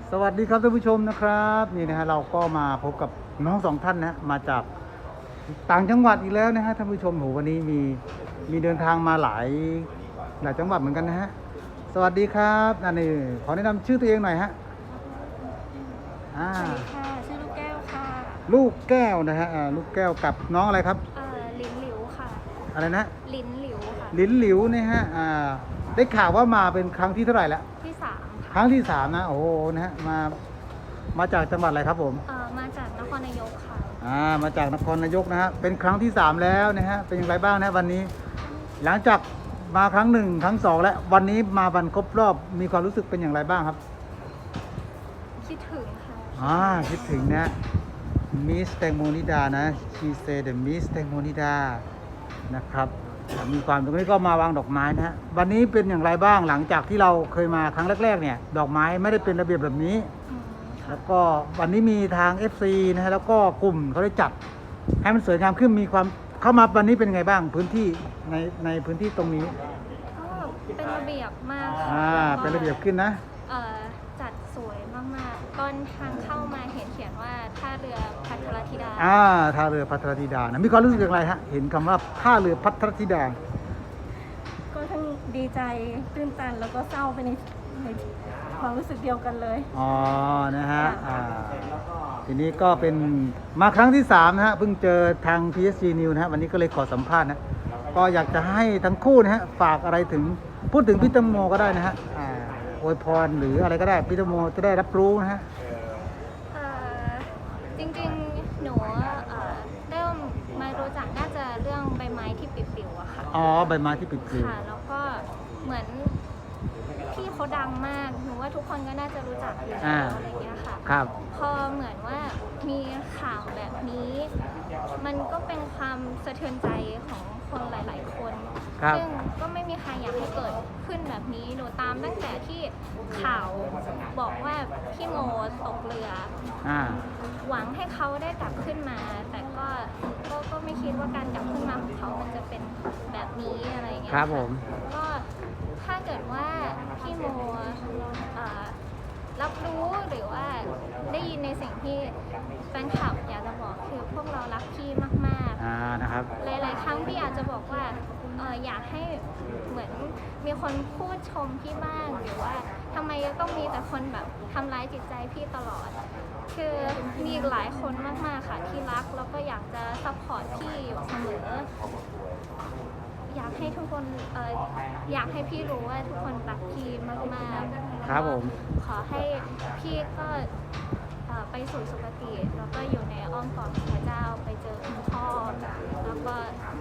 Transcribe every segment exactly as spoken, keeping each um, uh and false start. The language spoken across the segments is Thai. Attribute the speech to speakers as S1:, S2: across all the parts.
S1: สวัสดีครับท่านผู้ชมนะครับนี่นะฮะเราก็มาพบกับน้องสองท่านนะมาจากต่างจังหวัดอีกแล้วนะฮะท่านผู้ชมโหวันนี้มีมีเดินทางมาหลายหลายจังหวัดเหมือนกันนะฮะสวัสดีครับอันนี้ขอแนะนำชื่อตัวเองหน่อยฮะอ่า
S2: สวัสดีค่ะ ชื่อลูกแก้วค่ะ
S1: ลูกแก้วนะฮะอ่าลูกแก้วกับน้องอะไรครับ
S2: เอ่อลิ้นหลิวค่ะ
S1: อะไรนะ
S2: ลิ้นหลิวค่ะ
S1: ลิ้นหลิวนะฮะอ่าได้ข่าวว่ามาเป็นครั้งที่เท่าไหร่แล้ว
S2: ที่สาม
S1: ค
S2: ค่ะ
S1: รั้งที่สามนะโอ้โหนะฮะมามาจากจังหวัดอะไรครับผม
S2: เอ่อมาจากนครนายกค่ะ
S1: อ่ามาจากนครนายกนะฮะเป็นครั้งที่สามแล้วนะฮะเป็นอย่างไรบ้างนะวันนี้ หลังจากมาครั้งหนึ่งครั้งสองแล้ววันนี้มาวันครบรอบมีความรู้สึกเป็นอย่างไรบ้างครับ
S2: คิดถึงค่ะ
S1: อ่าคิดถึงนะมิสแตงโมนิดานะ she said the miss แตงโมนิดานะครับมีความตรงนี้ก็มาวางดอกไม้นะฮะวันนี้เป็นอย่างไรบ้างหลังจากที่เราเคยมาครั้งแรกๆเนี่ยดอกไม้ไม่ได้เป็นระเบียบแบบนี้
S2: อืมค่ะ
S1: แล้วก็วันนี้มีทาง เอฟ ซี นะฮะแล้วก็กลุ่มเขาได้จัดให้มันสวยงามขึ้นมีความเข้ามาวันนี้เป็นไงบ้างพื้นที่ในในพื้นที่ตรงนี้
S2: ก็เป็นระเบียบมากค่ะ
S1: อ่าเป็นระเบียบขึ้นนะ
S2: เอ่อจัดสวยมากๆตอนทางเข้ามาเห็นเขียนว่าท่าเรือพัทรธิดา
S1: อ่าท่าเรือพัทรธิดานะมีความรู้สึกอย่างไรฮะเห็นคำว่าท่าเรือพัทรธิดา
S3: ก็ทั้งดีใจตื้นตันแล้วก็เศร้าไปในในความรู้สึกเดียวกันเลย
S1: อ๋อนะฮะอ่าทีนี้ก็เป็นมาครั้งที่สามนะฮะเพิ่งเจอทาง พี เอส จี News นะฮะวันนี้ก็เลยขอสัมภาษณ์นะก็อยากจะให้ทั้งคู่นะฮะฝากอะไรถึงพูดถึงพี่แตงโมก็ได้นะฮะอ่าอวยพรหรืออะไรก็ได้พี่แตงโมจะได้รับรู้นะฮะ
S2: เอ่อจริงๆ หนูเอ่อเริ่มมารู้จักน่าจะเรื่องใบไม้ที่ปลิวๆอะค่ะ
S1: อ๋อใบไม้ที่ปิดปลิว
S2: ค่ะ แล้วก็เหมือนพี่เขาดังมาก หนูว่าทุกคนก็น่าจะรู้จักอยู่
S1: อ่า
S2: แล้วอะไรเงี้ยค่ะ
S1: ครับ
S2: พอเหมือนว่ามีข่าวแบบนี้ มันก็เป็นความสะเทือนใจของคนหลาย ๆ คน
S1: ครับ
S2: ซึ่งก็ไม่มีใครอยากให้เกิดขึ้นแบบนี้ หนูตามตั้งแต่ที่ข่าวบอกว่าพี่โมตกเรือ
S1: อ่า
S2: หวังให้เขาได้กลับขึ้นมา แต่ก็ก็ก็ไม่คิดว่าการกลับขึ้นมาของเขามันจะเป็นแบบนี้อะไรอย่างเงี้ย
S1: ครับ
S2: ะ
S1: ผม
S2: ก็ถ้าเกิดว่าพี่โมเอ่อรับรู้หรือว่าได้ยินในสิ่งที่แฟนคลับอยากจะบอกคือพวกเรารักพี่มาก
S1: อ่านะครับ
S2: ๆ หลาย ๆ ครั้งพี่อาจจะบอกว่าเอออยากให้เหมือนมีคนพูดชมพี่บ้างหรือว่าทำไมต้องมีแต่คนแบบทำร้ายจิตใจพี่ตลอด คือมีอีกหลายคนมาก ๆ ค่ะที่รักแล้วก็อยากจะซัพพอร์ตพี่อยู่เสมอ อยากให้ทุกคนเอออยากให้พี่รู้ว่าทุกคนรักพี่มากๆ
S1: ครับผม
S2: ขอให้พี่ก็เอ่อไปสู่สุคติแล้วก็อยู่ในอ้อมกอดของพระเจ้าไปเจอคุณพ่อแล้วก็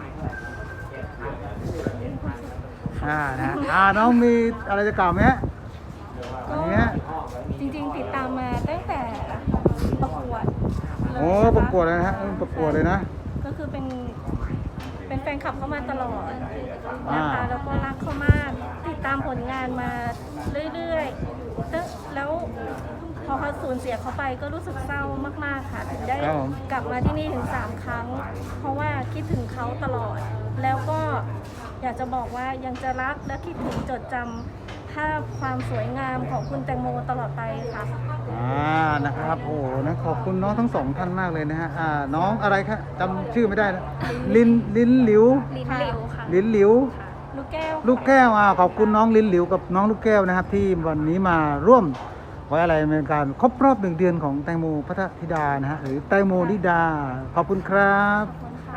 S1: อ่านะอ่าน้องมีอะไรจะกล่าวไหมฮะอันเนี้ย
S3: จริงๆติดตามมาตั้งแต่ประกวดเลย
S1: โอ้
S3: นค
S1: ประกวดเลยนะฮะเออประกวดเลยนะ
S3: ก็คือเป็นเป็นแฟนคลับเขามาตลอด
S1: อ่า
S3: นะคะแล้วก็รักเขามากติดตามผลงานมาเรื่อยๆตึ๊ะแล้วพอเขาสูญเสียเขาไปก็รู้สึกเศร้ามากๆค่ะถึงได้
S1: ครับผม
S3: กลับมาที่นี่ถึงสามครั้ง เพราะว่าคิดถึงเขาตลอด แล้วก็อยากจะบอกว่ายังจะรักและคิดถึงจดจำภาพความสวยงามของคุณแตงโมตลอดไปค่ะ
S1: อ่านะครับโอ้โหนะขอบคุณน้องทั้งสองท่านมากเลยนะฮะอ่าน้องอะไรครับจำชื่อไม่ได้นะลินลินหลิว
S2: ลิ้นหลิวค่ะ
S1: ลินหลิว
S3: ลูกแก้ว
S1: ลูกแก้วอ่าขอบคุณน้องลินหลิวกับน้องลูกแก้วนะครับ ที่วันนี้มาร่วมไว้อะไรในการครบรอบหนึ่งเดือนของแตงโมพัทรธิดานะฮะหรือแตงโมนิดา ขอบคุณครับ
S3: ขอบคุณค่ะ